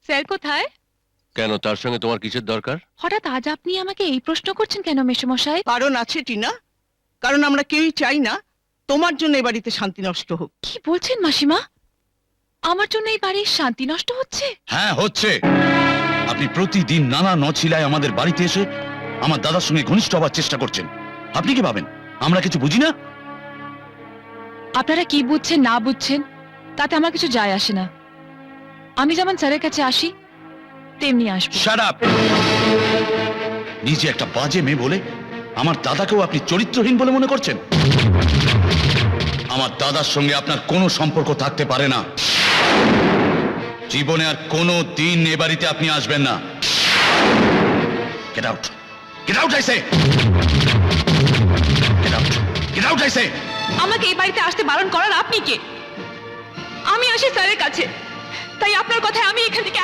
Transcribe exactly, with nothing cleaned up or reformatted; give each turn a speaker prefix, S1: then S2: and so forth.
S1: Sir কোথায়?
S2: কেন, তার সঙ্গে তোমার কিসের দরকার?
S1: হঠাৎ আজ আপনি আমাকে এই প্রশ্ন করছেন কেন মেসোমশাই?
S3: কারণ আছে টিনা, কারণ আমরা কেউই চাই না তোমার জন্য এ বাড়িতে শান্তি নষ্ট হোক।
S1: কি বলছেন মাসিমা? আমার জন্য এই বাড়ির শান্তি নষ্ট হচ্ছে?
S4: হ্যাঁ হচ্ছে। আপনি প্রতিদিন নানা নছিলায় আমাদের বাড়িতে এসে আমার দাদার সঙ্গে ঘনিষ্ঠ হবার চেষ্টা করছেন। আপনি কি ভাবেন আমরা কিছু বুঝি না?
S1: আপনারা কি বুঝছেন না বুঝছেন তাতে আমার কিছু যায় আসে না। আমি যেমন স্যারের কাছে আসি তেমনি আসবো।
S4: Shut up! নিজে একটা বাজে মেয়ে বলে আমার দাদাকেও আপনি চরিত্রহীন বলে মনে করছেন? আমার দাদার সঙ্গে আপনার কোনো সম্পর্ক থাকতে পারে না। জীবনে আর কোনো দিন এ বাড়িতে আপনি আসবেন না। Get out! Get out I say! Get out! Get out I say!
S1: আমাকে এই বাড়িতে আসতে বারণ করার আপনি কে? আমি আসি স্যারের কাছে, তাই আপনার কথায় আমি এখান থেকে